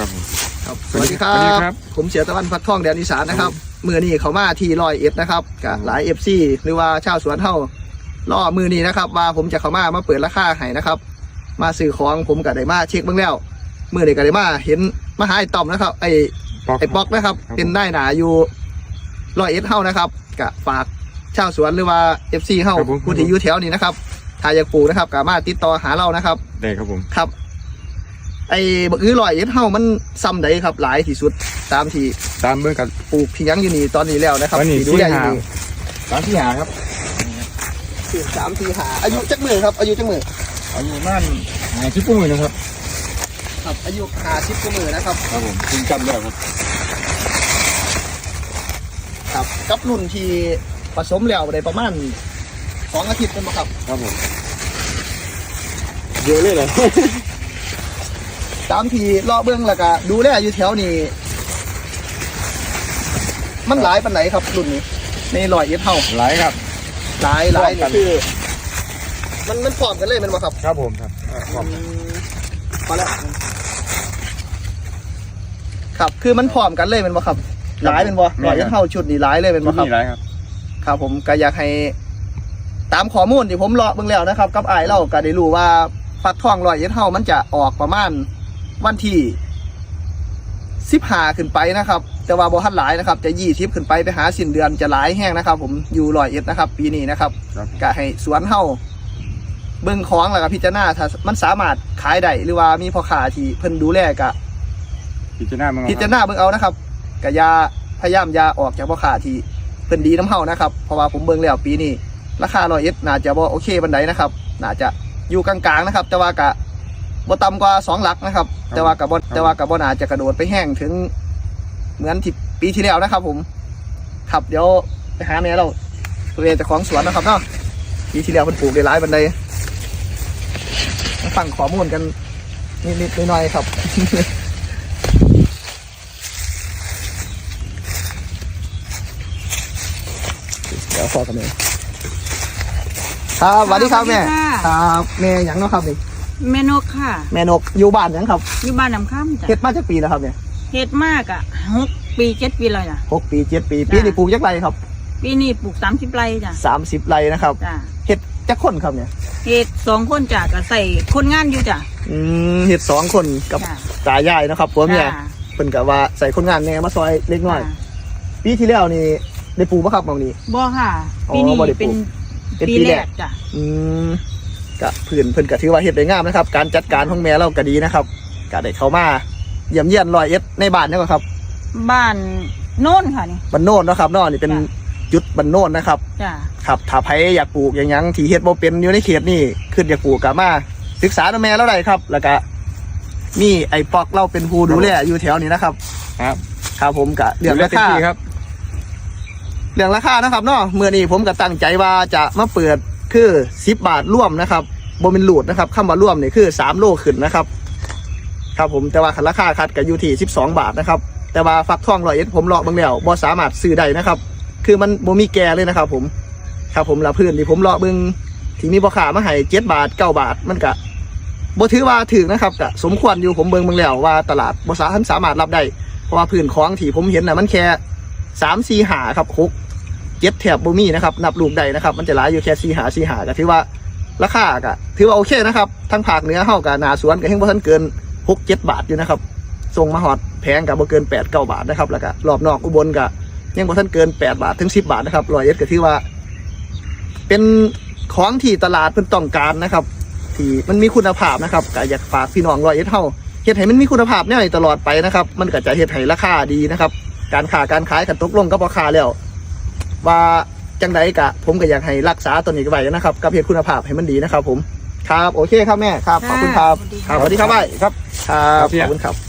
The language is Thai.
ครับผมครับสวัสดีครับผมเสียตะวันพัดท่องแดนอีสานนะครับมือนี้เขามาที่101นะครับกับหลาย FC หรือว่าชาวสวนเฮาล่อมือนี้นะครับว่าผมจะเข้ามาเปิดราคาให้นะครับมาซื้อของผมกับไดมาเช็คเบื้องแล้วมือนี้กับไดมาเห็นมาหาไอ้ต่อมนะครับไอ้ป๊อกนะครับเป็นได้หนาอยู่101เฮานะครับกับฝากชาวสวนหรือว่า FC เฮาผู้ที่อยู่แถวนี้นะครับถ้าอยากปลูกนะครับก็มาติดต่อหาเรานะครับได้ครับผมครับไอ้บักอื้อ101เฮามันซ้ำใดครับหลายที่สุดตามเบื้องกันปลูกที่ยังอยู่นี่ตอนนี้แล้วนะครับดูแลอยู่นี่3-4 ครับ 3-4 อายุจักมือครับอายุจักมืออายุนั่น50 กว่ามือนะครับครับอายุ50 กว่ามือนะครับครับผมถึงจำแล้วครับครับกับรุ่นที่ผสมแล้วได้ประมาณ2 อาทิตย์เป็นบ่ครับครับผมเยอะเลยเหรอตามที่เลาะเบื้องแล้วก็ดูแลอยู่แถวนี้มันหลายปานไหนครับรุ่นนี้ใน101เฮาหลายครับหลายนี่คือมันพร้อมกันเลยมันบ่ครับครับผมครับพร้อมมาแล้วครับคือมันพร้อมกันเลยมันบ่ครับหลายเป็นบ่101เฮาชุดนี้หลายเลยเป็นบ่ครับหลายครับครับผมก็อยากให้ตามข้อมูลที่ผมเลาะเบื้องแล้วนะครับกับอ้ายเราก็ได้รู้ว่าฟักทอง101เฮามันจะออกประมาณวันที่15ขึ้นไปนะครับแต่ว่าบ่ทันหลายนะครับจะ20ขึ้นไปหาสิ้นเดือนจะหลายแห้งนะครับผมอยู่101นะครับปีนี้นะครับก็ให้สวนเฮาเบิ่งของแล้วก็พิจารณาถ้ามันสามารถขายได้หรือว่ามีพ่อค้าที่เพิ่นดูแลก็พิจารณาเบิ่งเอานะครับก็อย่าพยายามอย่าออกจากพ่อค้าที่เพิ่นดีน้ำเฮานะครับเพราะว่าผมเบิ่งแล้วปีนี้ราคา101น่าจะบ่โอเคปานใดนะครับน่าจะอยู่กลางๆนะครับแต่ว่าก็บ่ต่ำกว่า2 หลักนะครับแต่ว่ากับบ่น่าจะกระโดดไปแห้งถึงเหมือนที่ปีที่แล้วนะครับผมครับเดี๋ยวไปหาแม่เราตัวเองจากของสวนนะครับเนาะปีที่แล้วเพิ่นปลูกได้หลายบันไดมาฟังข้อมูลกันนิดๆหน่อยๆครับเดี๋ยวขอกันเลยครับสวัสดีครับแม่ครับแม่หยังเนาะครับนี่แม่นกค่ะแม่นกอยู่บ้านยังครับอยู่บ้านน้ำข้ามจ้ะเฮ็ดมาจากปีแล้วครับเนี่ยเฮ็ดมากอ่ะ6 ปี 7 ปีเลยจ้ะ 6 ปี 7 ปีปีนี้ปลูกจักไรครับปีนี้ปลูก30 ไร่จ้ะ 30 ไร่นะครับจ้ะเฮ็ดจักคนครับเนี่ยเฮ็ด2 คนจ้ะก็ใส่คนงานอยู่จ้ะเฮ็ด2 คนกับตายายนะครับผัวเมียเพิ่นก็ว่าใส่คนงานแน่มาซอยเล็กน้อยปีที่แล้วนี่ได้ปลูกบ่ครับบางนี้บ่ค่ะปีนี้เป็นปีแรกจ้ะก็เพิ่นก็ถือว่าเฮ็ดได้งามนะครับการจัดการของแม่เราก็ดีนะครับก็ได้เข้ามาเยี่ยมเยียน101ในบ้านนี่ก็ครับบ้านโน่นค่ะนี่บ้านโน่นเนาะครับเนาะนี่เป็นจุดบ้านโน่นนะครับจ้ะครับถ้าใครอยากปลูกอย่างที่เฮ็ดบ่เป็นอยู่ในเขตนี่ขึ้นอยากปลูกก็มาศึกษาแม่เราได้ครับแล้วก็มีไอ้ปอกเราเป็นผู้ดูแลอยู่แถวนี้นะครับครับผมก็เรื่องราคาครับเรื่องราคานะครับเนาะเมื่อนี้ผมก็ตั้งใจว่าจะมาเปิดคือ10 บาทร่วมนะครับบ่เป็นหลูดนะครับคำว่าร่วมนี่คือ3 โลขึ้นนะครับครับผมแต่ว่าราคาคัดก็อยู่ที่12 บาทนะครับแต่ว่าฟักทอง101ผมเลาะเบิ่งแล้วบ่สามารถซื้อได้นะครับคือมันบ่มีแก่เลยนะครับผมครับผมละพื้นที่ผมเลาะเบิ่งที่มีพ่อค้ามาให้7 บาท 9 บาทมันก็บ่ถือว่าถึงนะครับก็สมควรอยู่ผมเบิ่งแล้วว่าตลาดบ่สามารถรับได้เพราะว่าพื้นของที่ผมเห็นน่ะมันแค่3 4 5ครับ6 7แถบบ่มีนะครับนับลูกได้นะครับมันจะหลายอยู่แค่4 5ก็ถือว่าราคาก็ถือว่าโอเคนะครับทั้งภาคเหนือเฮากับหน้าสวนก็แห่งบ่ทันเกิน6-7 บาทอยู่นะครับส่งมาฮอดแพงกับบ่เกิน8-9 บาทนะครับแล้วก็รอบนอกอุบลก็ยังบ่ทันเกิน8 บาทถึง10 บาทนะครับ101ก็ถือว่าเป็นของที่ตลาดเพิ่นต้องการนะครับที่มันมีคุณภาพนะครับก็อยากฝากพี่น้อง101เฮาเฮ็ดให้มันมีคุณภาพแนวนี้ตลอดไปนะครับมันก็จะเฮ็ดให้ราคาดีนะครับการค้าการขายกันตกลงกับพ่อค้าแล้วว่าจังไดกะผมก็อยากให้รักษาตัวนี้ไว้นะครับกับเฮ็ดคุณภาพให้มันดีนะครับผมครับโอเคครับแม่ครับขอบคุณครับสวัสดีครับไว้ครับขอบคุณครับ